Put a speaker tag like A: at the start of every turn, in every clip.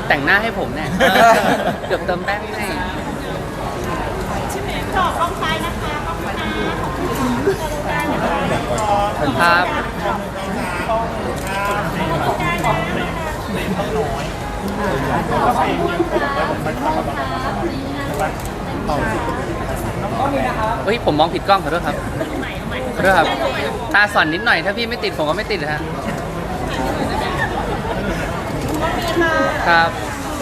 A: แต่งหน้าให้ผมเนี่ยเกือบเติมแป้งให้
B: จอกกล้องซ้ายนะคะกล้องซ้ายนะขอบคุณค่ะ
A: ครับเฮ้ยผมมองผิดกล้องขอโทษครับขอโทษครับตาส่อนนิดหน่อยถ้าพี่ไม่ติดผมก็ไม่ติดฮะครับ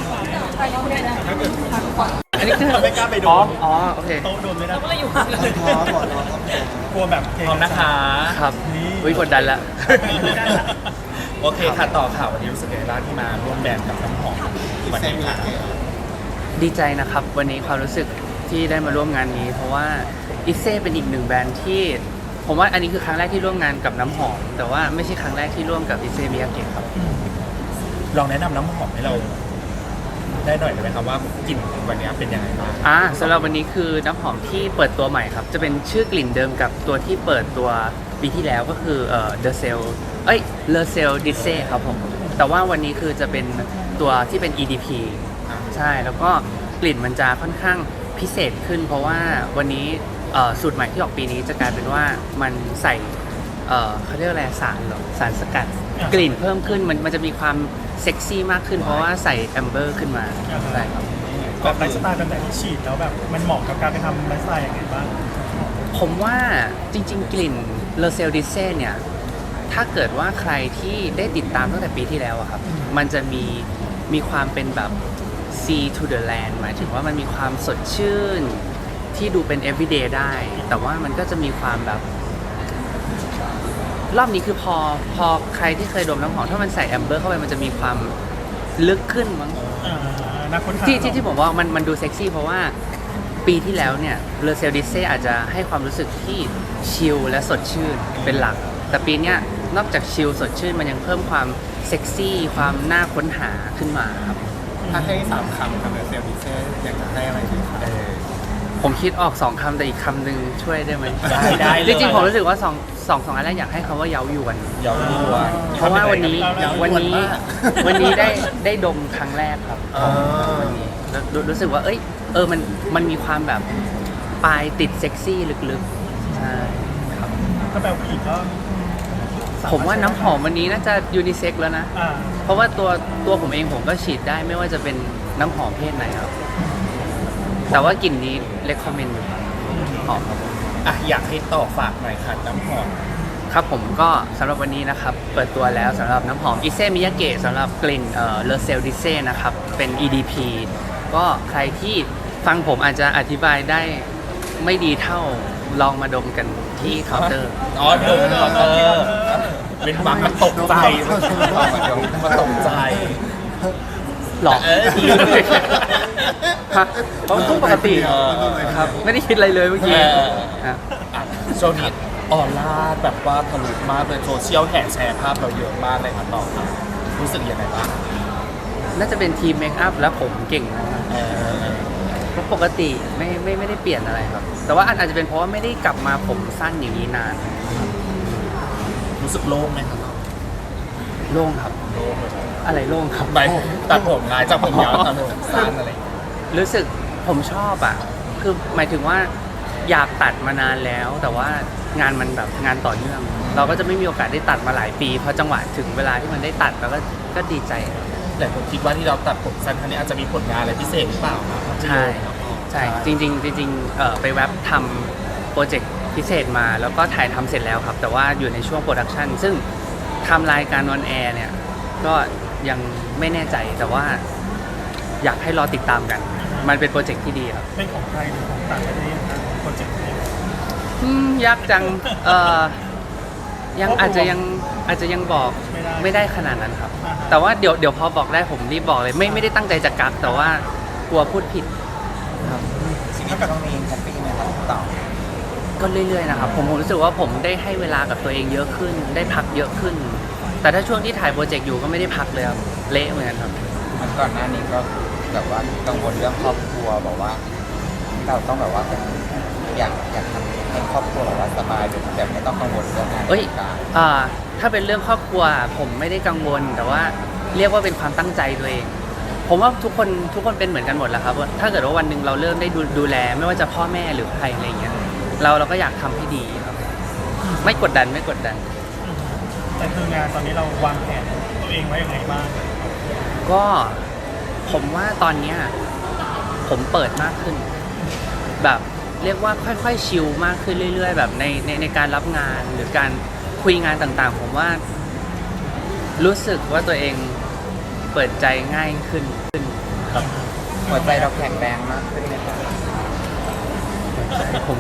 A: อันนี้คือ
C: ไม่กล้าไปโดน
A: อ๋อโอเค
C: โต๊ะโดนไม่ได้
B: ก็เลยอยู่ห่างเลย
C: กลัวแบบพร้อมนะคะ
A: ครับวิกดดันละ
C: โอเคค่ะต่อข่าววันนี้รู้สึกยังไงบ้างที่มาร่วมแบรนด์กับน้ำหอมวันนี้ค่ะ
A: ดีใจนะครับวันนี้ความรู้สึกที่ได้มาร่วมงานนี้ เพราะว่าอิเซ่เป็นอีกหนึ่งแบรนด์ที่ผมว่าอันนี้คือครั้งแรกที่ร่วมงานกับน้ำหอมแต่ว่าไม่ใช่ครั้งแรกที่ร่วมกับอิเซ่มิยาเกะครับ
C: ลองแนะนำน้ำหอมให้เราได้หน่อยได้ไหมครับว่ากลิ่นวันนี้เป็นยังไงบ้าง
A: สำหรับวันนี้คือน้ำหอมที่เปิดตัวใหม่ครับจะเป็นชื่อกลิ่นเดิมกับตัวที่เปิดตัวปีที่แล้วก็คือThe Cell Le Cell Disse ครับผมแต่ว่าวันนี้คือจะเป็นตัวที่เป็น EDP ใช่แล้วก็กลิ่นมันจะค่อนข้างพิเศษขึ้นเพราะว่าวันนี้สูตรใหม่ที่ออกปีนี้จะกลายเป็นว่ามันใส่เขาเรียกอะไรสารสกัดกลิ่นเพิ่มขึ้นมันจะมีความเซ็กซี่มากขึ้นเพราะว่าใส่แอมเบอร์ขึ้นมาใช่ครับ
C: แบบไลฟ์สไตล์แบบที่ฉีดแล้วแบบมันเหมาะกับการไปทำไลฟ์สไตล์ยังไงบ้าง
A: ผมว่าจริงๆกลิ่นเลเซลดิเซ่เนี่ยถ้าเกิดว่าใครที่ได้ติดตามตั้งแต่ปีที่แล้วอะครับมันจะมีความเป็นแบบ sea to the land หมายถึงว่ามันมีความสดชื่นที่ดูเป็น everyday ได้แต่ว่ามันก็จะมีความแบบรอบนี้คือพอใครที่เคยดมน้ำหอมถ้ามันใส่แอมเบอร์เข้าไปมันจะมีความลึกขึ้นมั้งที่ผมว่ามันดูเซ็กซี่เพราะว่าปีที่แล้วเนี่ยเลเซลดิเซ่อาจจะให้ความรู้สึกที่ชิลและสดชื่นเป็นหลักแต่ปีนี้นอกจากชิลสดชื่นมันยังเพิ่มความเซ็กซี่ความน่าค้นหาขึ้นมาครับ
C: ถ้าให้3 คำกับเลเซลดิเซ่อยากจะให้อะไรดีครับ
A: ผมคิดออก2 คำแต่อีกคำหนึ่งช่วยได้ไหม
C: ได้
A: จริงๆผมรู้สึกว่าสองอันแรกอยากให้คำว่าเย้ายวนเพราะว่าวันนี้ได้ดมครั้งแรกครับวันนี้รู้สึกว่ามันมีความแบบปลายติดเซ็กซี่ลึกๆใช่ครับ
C: ถ้าแบบผู้หญิงก็
A: ผมว่าน้ำหอมวันนี้น่าจะยูนิเซ็กแล้วนะเพราะว่าตัวผมเองผมก็ฉีดได้ไม่ว่าจะเป็นน้ำหอมเพศไหนครับแต่ว่ากลิ่นนี้เรคคอมเมนต์อยู่ครับหอมครับ
C: อยากให้ต่อฝากหน่อยค่ะน้ำหอม
A: ครับผมก็สำหรับวันนี้นะครับเปิดตัวแล้วสำหรับน้ำหอมอิเซ่มิยาเกะสำหรับกลิ่นเลเซลดิเซ่นะครับเป็น EDP ก็ใครที่ฟังผมอาจจะอธิบายได้ไม่ดีเท่าลองมาดมกันที่เคาน์เตอร์
C: ดมเคาน์เตอร์เป็นฟังมันตกใจมันตกใจ
A: หรอฮะเพราะปกติครับไม่ได้คิดอะไรเลยเมื่อกี้
C: โซนิดออร่าแบบว่าทะลุมากเลยโซเชียลแห่แชร์ภาพเราเยอะมากเลยครับต่อครับรู้สึกยังไงบ้าง
A: น่าจะเป็นทีมเมคอัพและผมเก่งนะครับเพราะปกติไม่ได้เปลี่ยนอะไรครับแต่ว่าอาจจะเป็นเพราะว่าไม่ได้กลับมาผมสั้นอย่างนี้นาน
C: รู้สึกโล่งไหมครับ
A: โล่งครับอะไรโล่งครับ
C: ไปตัดผมงายจากผมยาวตัดผมสั้นอะไร
A: รู้สึกผมชอบอ่ะคือหมายถึงว่าอยากตัดมานานแล้วแต่ว่างานมันแบบงานต่อเนื่องเราก็จะไม่มีโอกาสได้ตัดมาหลายปีพอจังหวะถึงเวลาที่มันได้ตัดเราก็ดีใจ
C: หลายคนคิดว่าที่เราตัดผมสั้นครั้งนี้อาจจะมีผลงานอะไรพิเศษหรือเปล่า
A: ใช่จริงไปแว็บทำโปรเจกต์พิเศษมาแล้วก็ถ่ายทำเสร็จแล้วครับแต่ว่าอยู่ในช่วงโปรดักชันซึ่งทำรายการออนแอร์เนี่ยก็ยังไม่แน่ใจแต่ว่าอยากให้รอติดตามกันมันเป็นโปรเจกต์ที่ดีครับ
C: เป็นของไทยหรือของต่างประเทศโปรเจกต์นี้
A: ยากจังยังอาจจะยังบอกไม่ได้ขนาดนั้นครับแต่ว่าเดี๋ยวพอบอกได้ผมรีบบอกเลยไม่ได้ตั้งใจจะกักแต่ว่ากลัวพูดผิดครับ
C: สิ่งที่กับน้องมีแฮปปี้ไหมครับต่อ
A: ก็เรื่อยๆนะครับผมรู้สึกว่าผมได้ให้เวลากับตัวเองเยอะขึ้นได้พักเยอะขึ้นแต่ถ้าช่วงที่ถ่ายโปรเจกต์อยู่ก็ไม่ได้พักเลยครับเละเหมือนกันครับ
D: มันก่อนหน้านี้ก็แบบว่ากังวลเรื่องครอบครัวบอกว่าเราต้องแบบว่าอยากทำให้ครอบครัวแบบว่าสบายแบบไม่ต้องกังวลเรื่องงาน
A: ถ้าเป็นเรื่องครอบครัวผมไม่ได้กังวลแต่ว่าเรียกว่าเป็นความตั้งใจตัวเองผมว่าทุกคนเป็นเหมือนกันหมดแหละครับว่าถ้าเกิดว่าวันหนึ่งเราเริ่มได้ดูแลไม่ว่าจะพ่อแม่หรือใครอะไรเงี้ยเราก็อยากทำให้ดีครับไม่กดดัน
E: แต่คืองานตอนนี้เราวางแผนตัวเองไว้ยังไงบ้าง
A: ก็ผมว่าตอนเนี้ยผมเปิดมากขึ้น แบบเรียกว่าค่อยๆชิลมากขึ้นเรื่อยๆแบบในการรับงานหรือการคุยงานต่างๆผมว่ารู้สึกว่าตัวเองเปิดใจง่ายขึ้นครับ
D: หัวใจเราแข็งแรงมากขึ้นไหมคะ
A: ผม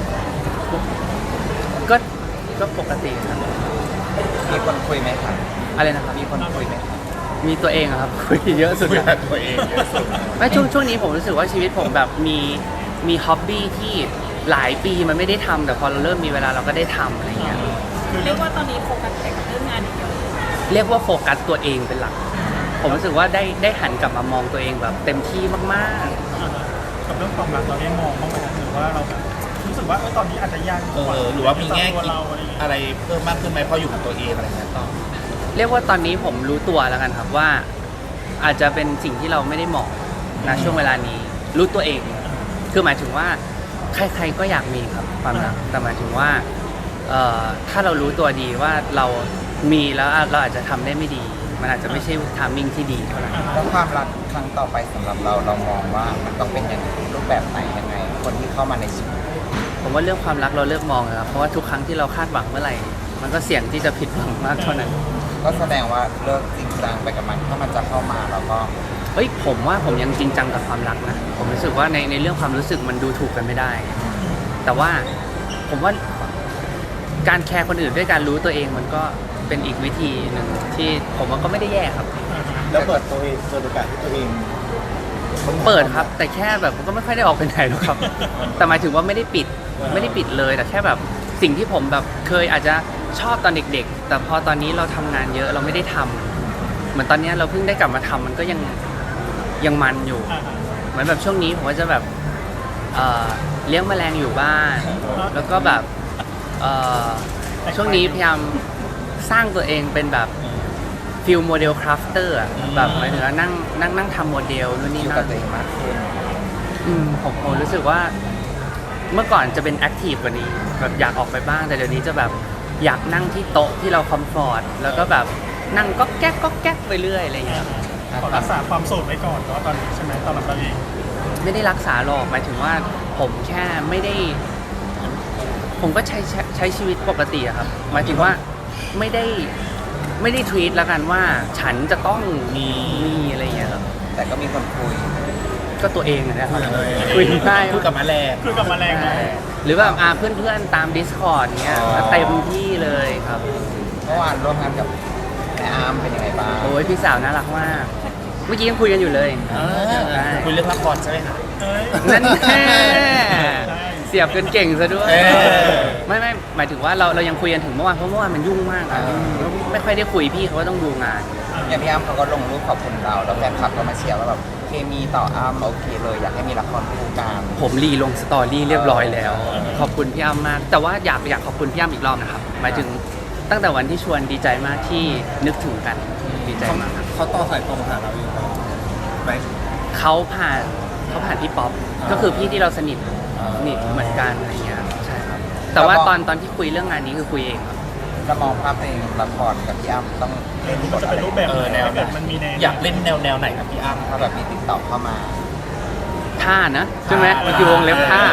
A: ก็ปกติครับ
D: มีคนคุยไหมคะ
A: อะไรนะครับ
D: มีคนคุยไหมคะ
A: มีตัวเองอะครับ คุยเยอะสุด
C: คุย
A: อะ
C: กับตัวเองเยอะสุด
A: ไม่ช่วงนี้ผมรู้สึกว่าชีวิตผมแบบมีฮ็อบบี้ที่หลายปีมันไม่ได้ทำแต่พอเราเริ่มมีเวลาเราก็ได้ทำอะไรเงี้ย
B: เรียกว่าตอนนี้โฟกัสแต่กับเรื่องงานอย่างเดียวเลย
A: เรียกว่าโฟกัสตัวเองเป็นหลัก ผมรู้สึกว่าได้หันกลับมามองตัวเองแบบเต็มที่มาก
E: กับเรื่องความรักเราได้มองบ้างไหมครับหรือว่าเราแบบรู้สึกว่าตอนนี้อาจจะยาก
C: หรือว่ามีแง่
E: ตัว
C: คิด
E: เราอะไรอย่างเงี้ย
C: อะไรเพิ่มมากขึ้นไหมพออยู่กับตัวเองอะไรเงี้ยต่อ
A: ๆเรียกว่าตอนนี้ผมรู้ตัวแล้วกันครับว่าอาจจะเป็นสิ่งที่เราไม่ได้เหมาะนะช่วงเวลานี้รู้ตัวเอง คือหมายถึงว่าใครๆก็อยากมีครับความรักแต่หมายถึงว่าถ้าเรารู้ตัวดีว่าเรามีแล้วเราอาจจะทำได้ไม่ดี มันอาจจะไม่ใช่ทามมิ่งที่ดีเท่าไหร่
D: แล้วความรักครั้งต่อไปสำหรับเรามองว่ามันต้องเป็นยังไงรูปแบบไหนยังไง คนที่เข้ามาในชีวิต
A: ผมว่าเรื่องความรักเราเลิกมองนะครับเพราะว่าทุกครั้งที่เราคาดหวังเมื่อไหร่ มันก็เสี่ยงที่จะผิดหวังมากเท่านั้น
D: ก็แสดงว่าเลิกจริงจังไปกับมันถ้ามันจะเข้ามาเราก็
A: เฮ้ยผมว่าผมยังจริงจังกับความรักนะผมรู้สึกว่าในเรื่องความรู้สึกมันดูถูกกันไม่ได้ แต่ว่าผมว่าการแคร์คนอื่นด้วยการรู้ตัวเองมันก็เป็นอีกวิธีหนึ่งที่ผมว่าก็ไม่ได้แย่ครับ
F: แล้วเปิดตัวเองเปิดโอกาสให้ตัวเอง
A: เปิดครับ แต่แค่แบบผมก็ไม่ค่อยได้ออกไปไหนหรอกครับ แต่หมายถึงว่าไม่ได้ปิดเลยแต่แค่แบบสิ่งที่ผมแบบเคยอาจจะชอบตอนเด็กๆ แต่พอตอนนี้เราทำงานเยอะเราไม่ได้ทำเหมือนตอนนี้เราเพิ่งได้กลับมาทำมันก็ยังมันอยู่ เหมือนแบบช่วงนี้ผมก็จะแบบเลี้ยงแมลงอยู่บ้าน แล้วก็แบบช่วงนี้พยายามสร้างตัวเองเป็นแบบฟิลโมเดลคราฟเตอร์แบบหมายถึงว่านั่งทำโมเดลนู่น
D: อ
A: นี่
D: ยู่
A: นั่
D: กับ
A: น
D: ตัวเองมากขึ้น
A: ผมรู้สึกว่าเมื่อก่อนจะเป็นแอคทีฟกว่านี้แบบอยากออกไปบ้างแต่เดี๋ยวนี้จะแบบอยากนั่งที่โต๊ะที่เราคอมฟอร์ตแล้วก็แบบนั่งก็แก๊กไปเรื่อยอะไรอย่างเงี้ยครับ
E: ขอรักษาความโสดไว้ก่อนเนาะตอนนี้ใช่ไหมสำหรับเราเอง
A: ไม่ได้รักษาหรอกหมายถึงว่าผมแค่ไม่ได้ ผมก็ใช้ชีวิตปกติอะครับหมายถึงว่าไม่ได้ทวีตแล้วกันว่าฉันจะต้องมีอะไรอย่างเงี้ยครับ
D: แต่ก็มีคนคุย
A: ก็ตัวเองนะครับคุยได้
C: พูดกับแมลง
E: คือกับแมลงเนาะ
A: หรือแบบเพื่อนๆตาม Discord เงี้ย
D: อ๋อ
A: เต็มที่เลยครับ
D: เมื่อวานร่วมงานกับแม่อาร์มเป็นยังไงบ้าง
A: โอ้ยพี่สาวน่ารักมาก เมื่อกี้ยังคุยกันอยู่เลยใช่
C: คุยเรื่องละครใช่ไหมคะ
E: เอ้ย
A: นั่นแน่เสียบกันเก่งซะด้วย
C: เออ
A: ไม่หมายถึงว่าเรายังคุยกันถึงเมื่อวานเพราะเมื่อวานมันยุ่งมากอะไม่ค่อยได้คุยพี่เขาก็ต้องดูงาน
D: อย่างพี่อาร์มเขาก็ลงรูปขอบคุณเราแล้วแฟนคลับก็มาเชียร์ว่าแบบเคมีต่ออาร์มโอเคเลยอยากให้มีละครคู่กัน
A: ผมรีลงสตอรี่เรียบร้อยแล้ว ขอบคุณพี่อ้ำมาก แต่ว่าอยากขอบคุณพี่อ้ำอีกรอบนะครับหมายถึงตั้งแต่วันที่ชวนดีใจมากที่นึกถึงกันดีใจมากครับ
F: เขาต่อสายตรงหาเราอยู่ไหม
A: เขาผ่านพี่ป๊อปก็คือพี่ที่เราสนิทเหมือนกันอะไรเงี้ยใช่ครับแต่ว่าตอนที่คุยเรื่องงานนี้คือคุยเองครับ
D: แล้วมองภาพเพลงละครกับพี่อ้ำต้องเล่นบ
E: มัน
D: ท
E: จะ
D: อะ
E: เป็น
D: ไร
E: รูปแบบไหน
C: แนว
E: ถ้าเกิดมันมีแนว
C: อยากเล่นแนวไหนกับพี่อ้ำ
D: ถ้าแบบมีติดต่อเข้ามา
A: ท่านะใช่ไหมมันคือวงเล็บท่า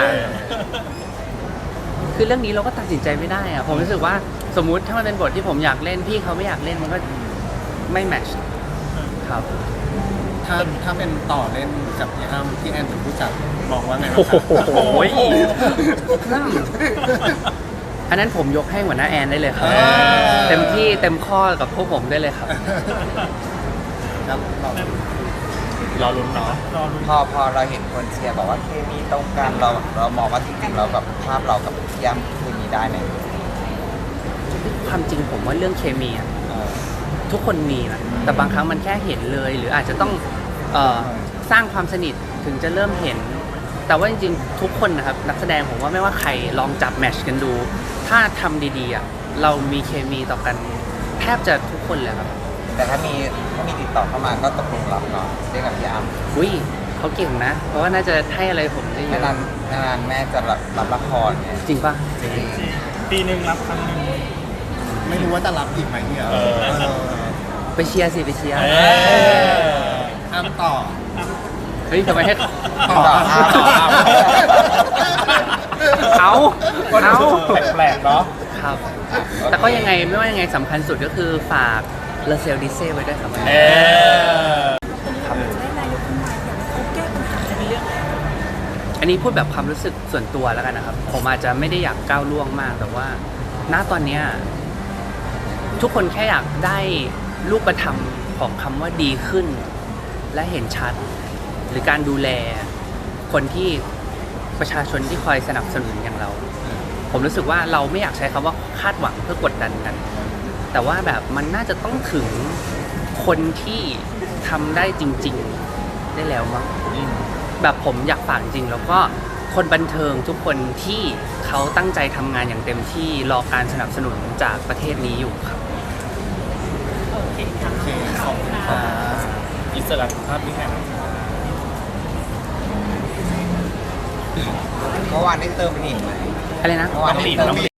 A: คือเรื่องนี้เราก็ตัดสินใจไม่ได้อะผมรู้สึกว่าสมมุติถ้ามันเป็นบทที่ผมอยากเล่นพี่เขาไม่อยากเล่นมันก็ไม่แมทช์ครับ
F: ถ้าเป็นต่อเล่นกับพี่อ้ำพี่แอนเป็นผู้จัดมองว่าไงบ้าง
A: โอ้
F: ครับ
A: โหอันนั้นผมยกให้หัวหน้าแอนได้เลยครับ เต็มที่เต็มข้อกับพวกผมได้เลยครับ
F: ครับเรา
C: รอลุ้นเนาะ
E: รอลุ้น
D: พอเราเห็นคนเชียร์บอกว่าเคมีตรงกันเรามองว่าจริงๆเราแบบภาพเรากับพี่อ้ำเคมีได้ไหม
A: ความจริงผมว่าเรื่องเคมีอะ
D: เออ
A: ทุกคนมีนะแต่บางครั้งมันแค่เห็นเลย หรืออาจจะต้องสร้างความสนิทถึงจะเริ่มเห็น แต่ว่าจริงๆทุกคนนะครับนักแสดงผมว่าไม่ว่าใครลองจับแมทชกันดู ถ้าทำดีๆอ่ะเรามีเคมีต่อกันแทบจะทุกคนเลยครับ
D: แต่ถ้ามีติดต่อเข้ามาก็ตกลงรับเนาะเรียกกับพี่อ้ำ
A: อุ้ยเขาเก่งนะ เพราะว่าน่าจะให้อะไรผมได้เยอะ
D: นานแม่จะรับละครเนี่ย
A: จริงปะ
D: จริง
E: ปีหนึ่งรับครั้งหนึ่ง
F: ไม่รู้ว่าจะรับอีกไหมเนี่ย
A: ไปเชียร์สิไปเชียร์
F: อ้ำต่อ
A: เฮ้ยทำไมให้
D: ต่ออ้ำ
A: เอา
C: ก็
A: เอา
C: แปลกๆเนาะ
A: ครับ แต่ก็ยังไงไม่ว่ายังไงสำคัญสุดก็คือฝากเลเซลดิเซ่ไว้ด้วยครับ
C: เออ
A: ครับ
B: ได้นายกคนใหม่อยากให้เขาแก้ปัญหาในเรื่องอะไร
A: อันนี้พูดแบบความรู้สึกส่วนตัวแล้วกันนะครับ ผมอาจจะไม่ได้อยากก้าวล่วงมากแต่ว่า ณตอนเนี้ยทุกคนแค่อยากได้รูปธรรมของคำว่าดีขึ้น และเห็นชัด หรือการดูแลคนที่ประชาชนที่คอยสนับสนุนอย่างเรา ผมรู้สึกว่าเราไม่อยากใช้คำว่าคาดหวังเพื่อกดดันกัน แต่ว่าแบบมันน่าจะต้องถึงคนที่ทำได้จริง ๆได้แล้วมั้งแบบผมอยากฝากจริงแล้วก็คนบันเทิงทุกคนที่เขาตั้งใจทำงานอย่างเต็มที่รอการสนับสนุนจากประเทศนี้อยู่ครับ
B: โอเคค่ะ
F: โอเคขอบคุณครับ
C: อิสระภาพพี่แฮม
D: เมื่อวานได้เติมไปอีกไหม
A: อะไรนะ
D: เมื่อวานได้เติม